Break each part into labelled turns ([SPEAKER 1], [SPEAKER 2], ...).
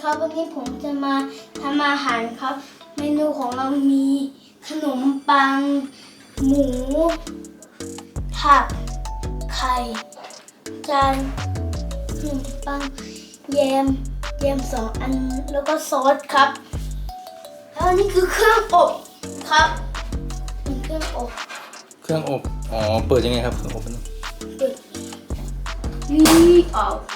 [SPEAKER 1] ครับวันนี้ผมจะมาทำอาหารครับ เมนูของเรามีขนมปัง หมู ผัก ไข่จานขนมปังแยม2 อันแล้วก็ซอสครับ แล้วนี่คือเครื่องอบครับเป็นเครื่องอบ
[SPEAKER 2] เครื่องอบอ๋อเปิดยังไงครับเครื่องอบมัน
[SPEAKER 1] เปิดนี่เอา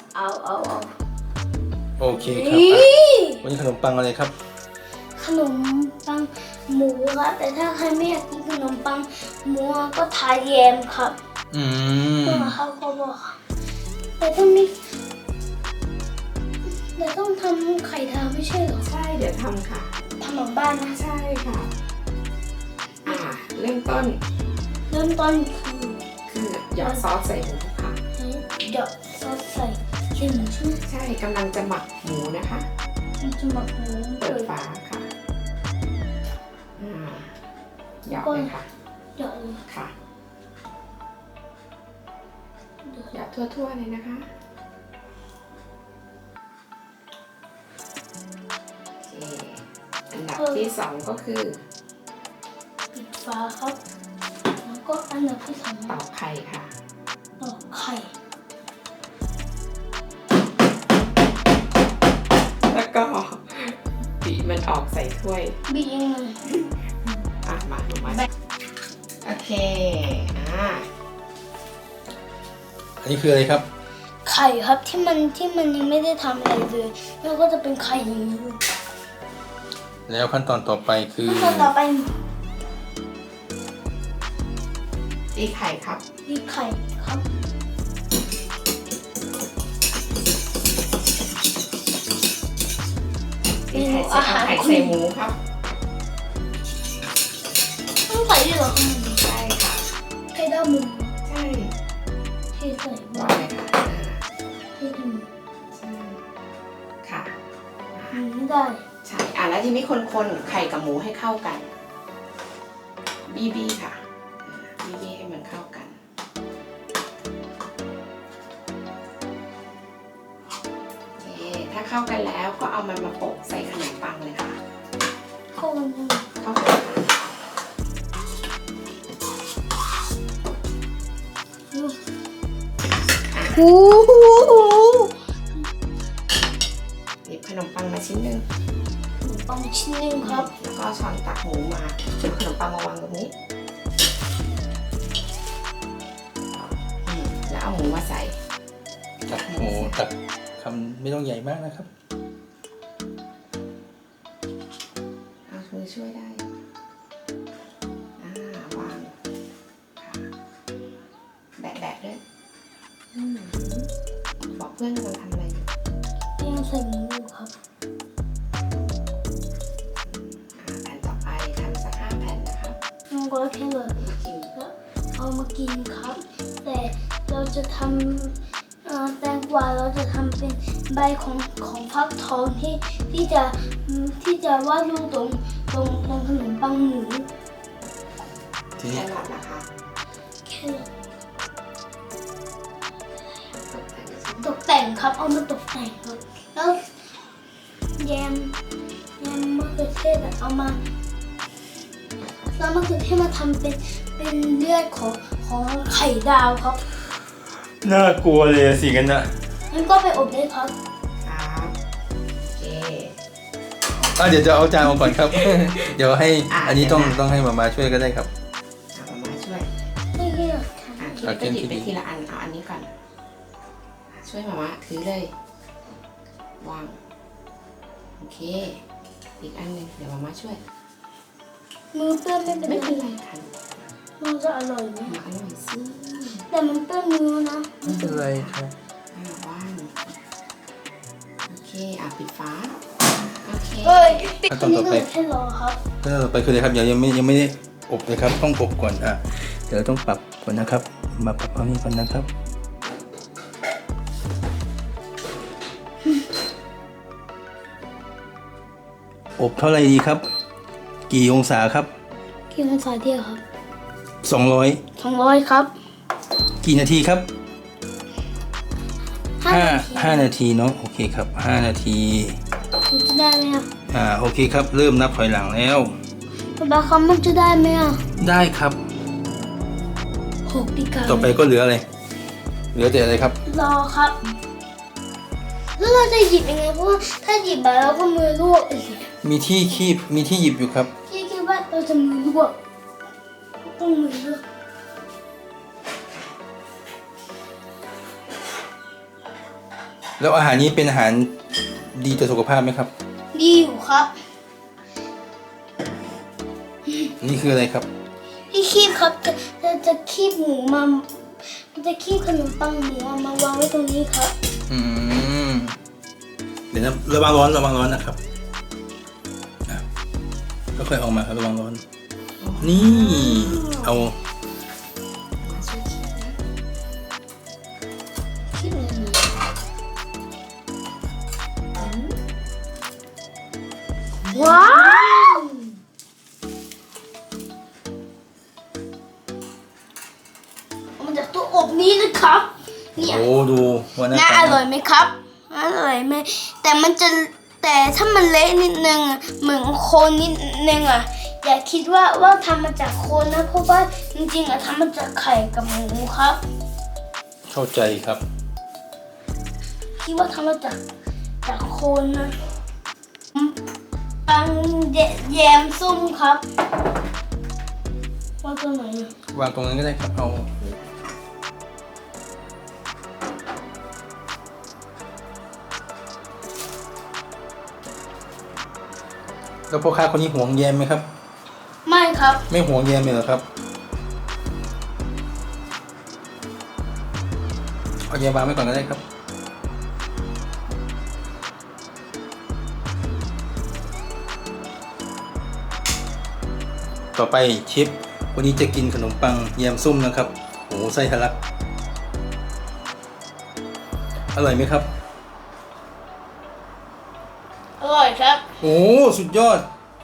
[SPEAKER 2] โอเคครับ
[SPEAKER 1] นี่
[SPEAKER 2] วันนี้ขนมปังอะไรครับ
[SPEAKER 1] ขนมปังหมูครับแต่ถ้าใครไม่อยากกินขนมปังหมูก็ทาแยมครับ
[SPEAKER 2] อืม
[SPEAKER 1] เขาบอกครับแต่ต้องทำไข่ดาวไม่ใช่เหรอ
[SPEAKER 3] ใช่เดี๋ยวทำค่ะ
[SPEAKER 1] ทำหลังบ้านนะ
[SPEAKER 3] ใช่ค่ะเริ่มต้น
[SPEAKER 1] เริ่มต้น
[SPEAKER 3] คือหยอดซอสใส่หมูค่ะ
[SPEAKER 1] เดี๋ยวซอสใส่เส้นหมูใช่ไหม
[SPEAKER 3] ใช่กำลังจะหมักหมูนะคะ
[SPEAKER 1] มันจะหมักหมู
[SPEAKER 3] เปิดฝาค่ะหยอดเลยค่ะ
[SPEAKER 1] เดี๋ยวเลย
[SPEAKER 3] ค่ะหยอดทั่วๆเลยนะคะโอเคอันดับที่2ก็คือ
[SPEAKER 1] ปิดฝาครับแล้วก็อันดับที่ 2
[SPEAKER 3] ตอกไข่ค่ะ
[SPEAKER 1] ตอกไข่
[SPEAKER 3] แล้วก็บีบมันออกใส่ถ้วย
[SPEAKER 1] บีบยังไง
[SPEAKER 3] มาโอเค
[SPEAKER 2] อันนี้คืออะไรครับ
[SPEAKER 1] ไข่ครับที่มันยังไม่ได้ทำอะไรเลยแล้วก็จะเป็นไข่อย่างนี้
[SPEAKER 2] แล้วขั้นตอนต่อไปคือ
[SPEAKER 1] ขั้นตอนต่อไป
[SPEAKER 3] ตีไข่ครับ
[SPEAKER 1] บีบไข่ครับ
[SPEAKER 3] ตีไข่เสร็จเอาไข่ใส่หมูครับ
[SPEAKER 1] ต้องใส่ด้วยเหรอครับ
[SPEAKER 3] ใช่ค่ะ
[SPEAKER 1] ไข่ดาวหมู
[SPEAKER 3] ใช่
[SPEAKER 1] เทใส่
[SPEAKER 3] วางเลยค่ะ
[SPEAKER 1] เทใส่หมู
[SPEAKER 3] ใช่ค่ะ
[SPEAKER 1] ไม่ได้
[SPEAKER 3] ใช่แล้วทีนี้คนไข่กับหมูให้เข้ากันบี้ค่ะบี้ให้มันเข้ากันโอเคถ้าเข้ากันแล้วก็เอามันมาโปะใส่ขนมปังเลยค่ะ
[SPEAKER 1] เข้ากันยัง
[SPEAKER 3] เข้ากันค่ะ
[SPEAKER 1] โอ้โห
[SPEAKER 3] หยิบขนมปังมาชิ้นหนึ่ง
[SPEAKER 1] ขนมปังชิ้นหนึงครับ
[SPEAKER 3] แล้วก็ช้อนตักหมูมาเอาขนมปังมาวางตรงนี้แล้วเอาหมูมาใส่
[SPEAKER 2] ตักหมูตักคำไม่ต้องใหญ่มากนะครับ
[SPEAKER 3] เอามือช่วยได้วางค่ะแบะด้วยบอกเพื่อนกำลังทำอะไรอยู่
[SPEAKER 1] ยังใส่หมูอยู่ครับ
[SPEAKER 3] แผ่นต่อไปทำสัก5 แผ่นนะครับ
[SPEAKER 1] น้องก็แค่แบบ
[SPEAKER 3] กิน
[SPEAKER 1] แล้วเอามากินครับ แต่เราจะทำแตงกวาเราจะทำเป็นใบของฟักทองที่จะวาดรูปตรงขนมปังหมู
[SPEAKER 2] ที
[SPEAKER 3] แค
[SPEAKER 2] นี้
[SPEAKER 3] รอทนะคะ
[SPEAKER 1] แค่
[SPEAKER 3] ตกแต่งชิ้น
[SPEAKER 1] ตกแต่งครับ เอามาตกแต่งครับ แล้วแยมมะเขือเทศอะเอามาแล้วมะเขือเทศมาทำเป็นเลือดของไข่ดาวครับ
[SPEAKER 2] น่ากลัวเลยสิกันนะ
[SPEAKER 1] งั้นก็ไปอบได้ครับ
[SPEAKER 3] ครับโอเค
[SPEAKER 2] เดี๋ยวจะเอาจานมาก่อนครับ เดี๋ยวให้ อันนี้
[SPEAKER 3] เดี๋ยวนะ
[SPEAKER 2] ต้องให้มาช่วยก็ได้ครับ
[SPEAKER 3] เอามาช่วย
[SPEAKER 1] ไม่เลือกค่ะ
[SPEAKER 3] คิดไปทีละอันเอาอันนี้ก่อนช่วยมาม่าถือเลย วางโอเคอีกอันหนึ่งเดี๋ยวมาม่าช่วย
[SPEAKER 1] มือเปื้อนไม่เป็น
[SPEAKER 3] ไม่
[SPEAKER 1] ไร
[SPEAKER 3] เป็นไรค่ะ
[SPEAKER 1] มันจะอร่อยไหม
[SPEAKER 3] มาอร่อยสิ
[SPEAKER 1] แต่มันเปื้อนมือนะ
[SPEAKER 2] ไม่เป็นไรครับ
[SPEAKER 3] วางโอเคปิดฝาโอเค
[SPEAKER 1] เฮ้ย
[SPEAKER 2] ขั้นตอนต่อไป
[SPEAKER 1] แค่รอครับ
[SPEAKER 2] ขั้นตอนต่อไปคืออะไรครับยังไม่ได้อบเลยครับ ต้องอบก่อนเดี๋ยวต้องปรับก่อนนะครับ มาปรับเอานี้ก่อนนะครับ อบเท่าไหร่ดีครับ กี่องศาครับ
[SPEAKER 1] กี่องศาเดียวครับ
[SPEAKER 2] 200
[SPEAKER 1] 200ครับ
[SPEAKER 2] กี่นาทีครับ
[SPEAKER 1] 5 นาที
[SPEAKER 2] 5 นาทีเนาะโอเคครับ5 นาที
[SPEAKER 1] มันจะได้ไหมอ่ะ
[SPEAKER 2] โอเคครับเริ่มนับถอยหลังแล้ว
[SPEAKER 1] ป๊าป๊าครับมันจะได้ไหมอ่ะ
[SPEAKER 2] ได้ครับ
[SPEAKER 1] 6 ปีกา
[SPEAKER 2] ต่อไปก็เหลืออะไรเหลือแต่อะไรครับ
[SPEAKER 1] รอครับ แล้วเราจะหยิบยังไงเพราะว่าถ้าหยิบไปแล้วก็มือลวกอีก
[SPEAKER 2] มีที่คีบมีที่หยิบอยู่ครับ
[SPEAKER 1] พี่คิดว่าเราจะมือลวกต้องมือลวก
[SPEAKER 2] แล้วอาหารนี้เป็นอาหารดีต่อสุขภาพไหมครับ
[SPEAKER 1] ดีอยู่ครับ
[SPEAKER 2] นี่คืออะไรครับ
[SPEAKER 1] พี่คีบครับจะคีบหมูมาจะคีบขนมปังหมูมาวางไว้ตรงนี้ครับ
[SPEAKER 2] เดี๋ยวนะระวังร้อนนะครับก็ค่อยๆออกมาครับระวังร้อน นี่เอา
[SPEAKER 1] คีบเลยนะว้าวเอามาจากตู้อบนี้นะครับเนี่ย
[SPEAKER 2] โอ้ดูว่าหน้า
[SPEAKER 1] น่า
[SPEAKER 2] ตา
[SPEAKER 1] อร่อยไหมครับอร่อยไหมแต่ถ้ามันเละนิดนึงอะเหมือนโคนนิดนึงอ่ะอย่าคิดว่าทำมาจากโคนนะเพราะว่าจริงๆอ่ะทำมาจากไข่กับหมูครับ
[SPEAKER 2] เข้าใจครับ
[SPEAKER 1] คิดว่าทำมาจากโคนนะปังแยมส้มครับว่าตัวไหนอะ
[SPEAKER 2] วางตรงนั้นก็ได้ครับเอาแล้วพ่อค้าคนนี้ห่วงแยมไหมครับ
[SPEAKER 1] ไม่ครับ
[SPEAKER 2] ไม่ห่วงแยมเลยเหรอครับเอาแยมวางไว้ก่อนก็ได้ครับต่อไปเชฟวันนี้จะกินขนมปังแยมส้มนะครับโอ้ไส้ทะลักอร่อยไหมครับ
[SPEAKER 1] อร่อยครับ
[SPEAKER 2] โอ้สุดยอด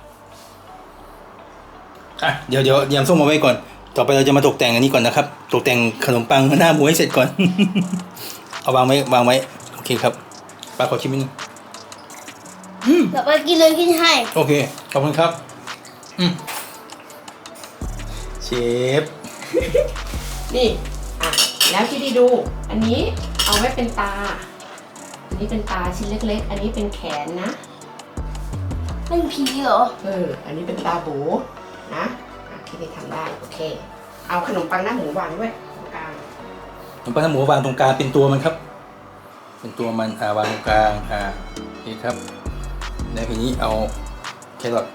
[SPEAKER 2] เดี๋ยวแยมส้มมาไว้ก่อนต่อไปเราจะมาตกแต่งอันนี้ก่อนนะครับตกแต่งขนมปังหน้าหมูให้เสร็จก่อน เอาวางไว้โอเคครับปลาขอชิมนิดนึง
[SPEAKER 1] เดี๋ยวไปกินเลยกินให้
[SPEAKER 2] โอเคขอบคุณครับเชฟ
[SPEAKER 3] นี่แล้วที่ดีดู อันนี้เอาไว้เป็นตา อันนี้เป็นตาชิ้นเล็กๆ อันนี้เป็นแขนนะ
[SPEAKER 1] เป็นผีเหรอ
[SPEAKER 3] อันนี้เป็นตาโบนะที่ดีทำได้โอเค เอาขนมปังหน้าหมูวางด้วยตรงกลาง
[SPEAKER 2] ขนมปังหน้าหมูวางตรงกลางเป็นตัวมันครับ เป็นตัวมันวางตรงกลางโอเคครับแล้วทีนี้เอาแครอท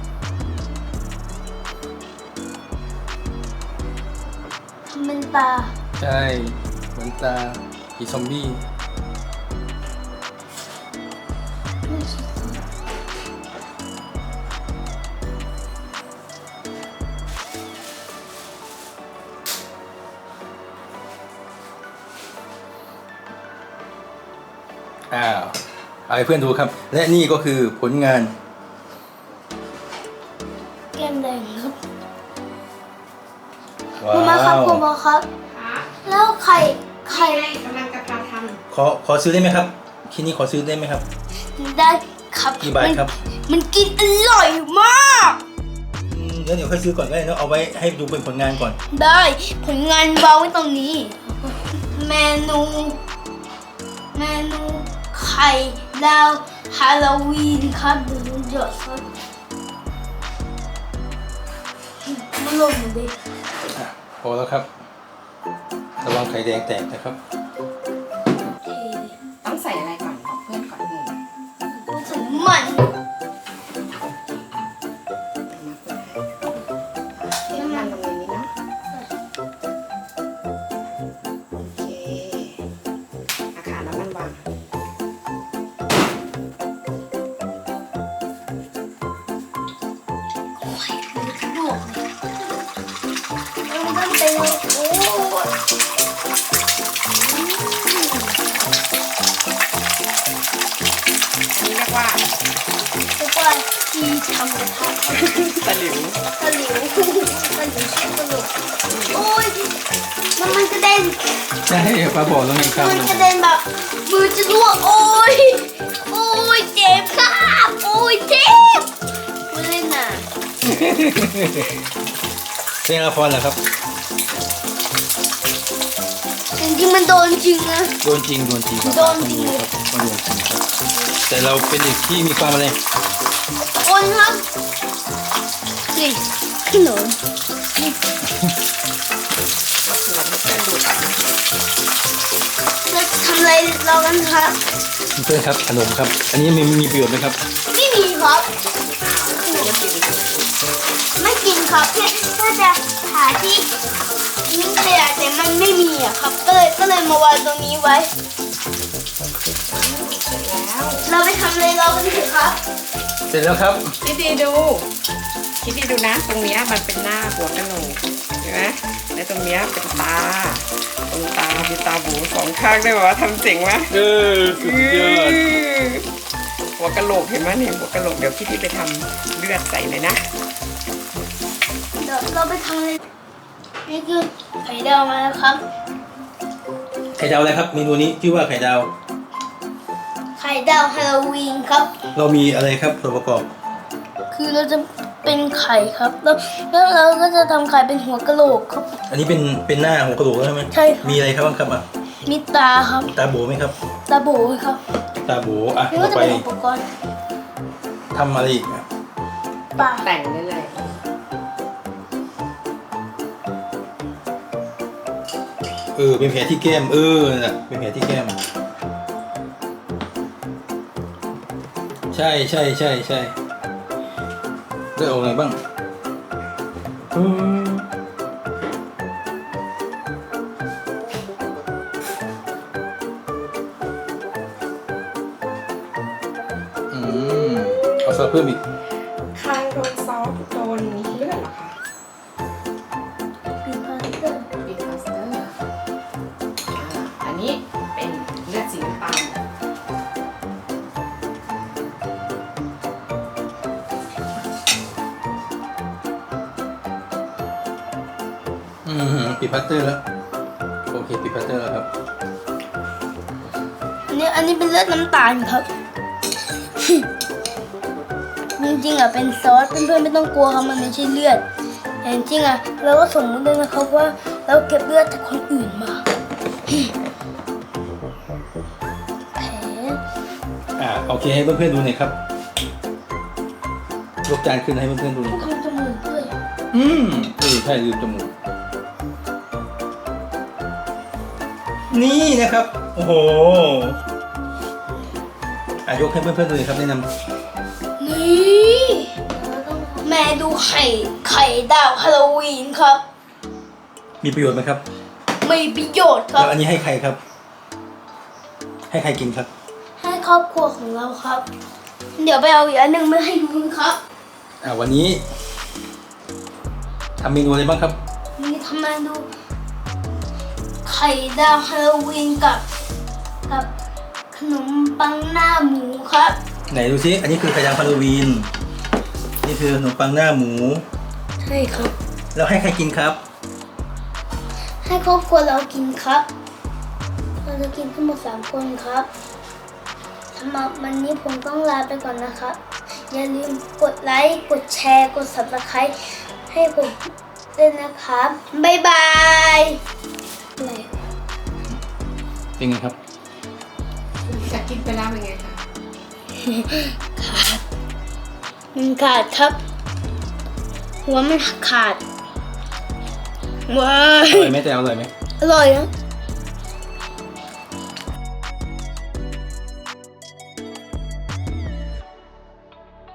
[SPEAKER 1] ทำเป็นตา
[SPEAKER 2] ใช่เหมือนตาผีซอมบี้เอาให้เพื่อนดูครับ และนี่ก็คือผลงาน
[SPEAKER 1] แก้มแดงครับ
[SPEAKER 2] ว้า
[SPEAKER 1] คุณมาครับ
[SPEAKER 2] ว
[SPEAKER 1] คุณมาครับ แล้วไข่
[SPEAKER 3] กำลังจะท
[SPEAKER 2] ขอซื้อได้ไหมครับที่นี่ขอซื้อได้ไหมครับ
[SPEAKER 1] ได้ครับ
[SPEAKER 2] กี่บาทครับ
[SPEAKER 1] มันกินอร่อยมาก
[SPEAKER 2] แล้วเดี๋ยวค่อยซื้อก่อนก็ได้เนอะเอาไว้ให้ดูเป็นผลงานก่อน
[SPEAKER 1] ได้ผลงานวางไว้ตรงนี้ เมนูไข่ดาวฮาโลวีนครับเดี๋ยวดูเยอะครับมันลงมาดิ
[SPEAKER 2] พอแล้วครับระวังไข่แดงแตกนะครับ
[SPEAKER 3] ำต้องใส่อะไรก่อนบอกเพื่อนก่อนหนึ่ง
[SPEAKER 1] ต้องใส่น้ำมัน
[SPEAKER 3] น้ำมันตรงนี้นะโอเคน้ำมันวาง
[SPEAKER 1] ลวกมันเป็นโอ้
[SPEAKER 3] อันนี้เรียกว่า
[SPEAKER 1] ทุกวันที่ทำกระทะ
[SPEAKER 3] ตะหลิว
[SPEAKER 1] ตะหลิวชื่อตลกโอ้ยมันกระเด็น
[SPEAKER 2] ใช่ป้าบอกแล้วไงครับ
[SPEAKER 1] มันกระเด็นแบบมือจะรั่วโอ้ยโอ้ยเจ็บครับโอ้ยเจ็บไม่เล่นน่ะ
[SPEAKER 2] เล่นละครเหรอครับ
[SPEAKER 1] จริงๆมันโดนจริงนะ
[SPEAKER 2] โดนจริงโดนจริงครับ
[SPEAKER 1] โดนจริง
[SPEAKER 2] ครับโดนจริงครับแต่เราเป็นเด็กที่มีความอะไร
[SPEAKER 1] คนครับนี่ขนมนี่
[SPEAKER 3] หัวมันจะหลุด
[SPEAKER 1] จะทำอะไรเรากันครับ
[SPEAKER 2] เพื่อนครับขนมครับ อันนี้มีประโยชน์ไหมครับ
[SPEAKER 1] ไม่มีครับ
[SPEAKER 3] ไม่กิน
[SPEAKER 1] ไม่กินครับแค่จะหาที่ทิ้งขยะแต่มันไม่มีอะครับก็เลยมาวางตรงนี้ไว้
[SPEAKER 3] แล้ว
[SPEAKER 1] เราไปทำอะไรเรากันเถอะครับ
[SPEAKER 2] เสร็จแล้วครับ
[SPEAKER 3] คิดดีดูนะ ตรงเนี้ยมันเป็นหน้าหัวกะโหลกเห็นไหมและตรงเนี้ยเป็นตา ตรงตามีตาบูสองข้างด้วยวะทำเจ๋งไหม
[SPEAKER 2] สุดยอด
[SPEAKER 3] หัวกะโหลกเห็นไหมเนี่ยหัวกะโหลกเดี๋ยวพี่ไปทำเลือดใส่เลยนะ
[SPEAKER 1] เดี๋ยวเราไปทำอะไรนี่คือไข่ดาวมาแล้วครับ
[SPEAKER 2] ไข่ดาวอะไรครับเมนูนี้ชื่อว่าไข่ดาว
[SPEAKER 1] ไข่ดาวฮาโลวีนครับ
[SPEAKER 2] เรามีอะไรครับส่วนประกอบ
[SPEAKER 1] คือเราจะเป็นไข่ครับแล้วเราก็จะทำไข่เป็นหัวกะโหลกครับ
[SPEAKER 2] อันนี้เป็นหน้าของกระดูกใช่ไหม
[SPEAKER 1] ใช่ครับ
[SPEAKER 2] มีอะไรครับบ้างครับอ่ะ
[SPEAKER 1] มีตาครับ
[SPEAKER 2] ตาโบไหมครับ
[SPEAKER 1] ตาโบครับ
[SPEAKER 2] ตาโบอ่ะ
[SPEAKER 1] นี่
[SPEAKER 2] ต่
[SPEAKER 1] ก็
[SPEAKER 2] อ
[SPEAKER 1] จะ
[SPEAKER 2] ไป
[SPEAKER 1] เป็นอุปกรณ์
[SPEAKER 2] ทำอะไรอีกอ่ะ
[SPEAKER 1] ปาก
[SPEAKER 3] แต่งได้เลย
[SPEAKER 2] เป็นแผลที่แก้มนั่นแหละเป็นแผลที่แก้มใช่เลือดออกอะไรบ้างเอาซอสเพิ่มอีก
[SPEAKER 3] คางโดนซอสโดนเลือดเหรอคะ
[SPEAKER 1] ปีพาสเตอร์
[SPEAKER 3] บีพลาสเตอร์อันนี้เป็นเลือดสีน้ำตาล
[SPEAKER 2] ปิดพัตเตอร์แล้วโอเคปิดพัตเตอร์แล้วครับ
[SPEAKER 1] อันนี้เป็นเลือดน้ำตาลครับ จริงๆอ่ะเป็นซอสเพื่อนๆไม่ต้องกลัวครับมันไม่ใช่เลือดแต่จริงๆอ่ะเราก็สมมติเลยนะครับว่าเราเก็บเลือดจากคนอื่นมา แผล
[SPEAKER 2] โอเคให้เพื่อนๆดูหน่อยครับยกจานขึ้นให้เพื่อนๆดูหน่อย
[SPEAKER 1] ทำจมูกด้วย
[SPEAKER 2] ใช่ลืมจมูกนี่นะครับโอ้โหยกให้เพื่อนๆดูหน่อยครับแนะนำ
[SPEAKER 1] นี่แม่ดูไข่ดาวฮาโลวีนครับ
[SPEAKER 2] มีประโยชน์ไหมครับ
[SPEAKER 1] มีประโยชน์ครับ
[SPEAKER 2] แล้วอันนี้ให้ใครครับ ให้ใครกินครับ
[SPEAKER 1] ให้ครอบครัวของเราครับ เดี๋ยวไปเอาอีกอันหนึ่งมาให้ดูนะครับ
[SPEAKER 2] วันนี้ทำเมนูอะไรบ้างครับ
[SPEAKER 1] นี่ทำมาดูไข่ดาวฮาโลวีนกับขนมปังหน้าหมูครับ
[SPEAKER 2] ไหนดูซิอันนี้คือไข่ดาวฮาโลวีนนี่คือขนมปังหน้าหมู
[SPEAKER 1] ใช่ครับ
[SPEAKER 2] แล้วให้ใครกินครับ
[SPEAKER 1] ให้ครอบครัวเรากินครับ เราจะกินทั้งหมด3 คนครับสำหรับวันนี้ผมต้องลาไปก่อนนะครับ อย่าลืมกดไลค์ กดแชร์ กด Subscribe ให้ผมด้วยนะครับ บ๊ายบายอะไร
[SPEAKER 2] เป็นไงครับ
[SPEAKER 3] จะกินไปแล้วเป็นไงคะ
[SPEAKER 1] มันขาดครับ หัวมันขาด ว้า
[SPEAKER 2] อร่อยไหมแต่อร่อยไหม
[SPEAKER 1] อร่อยนะ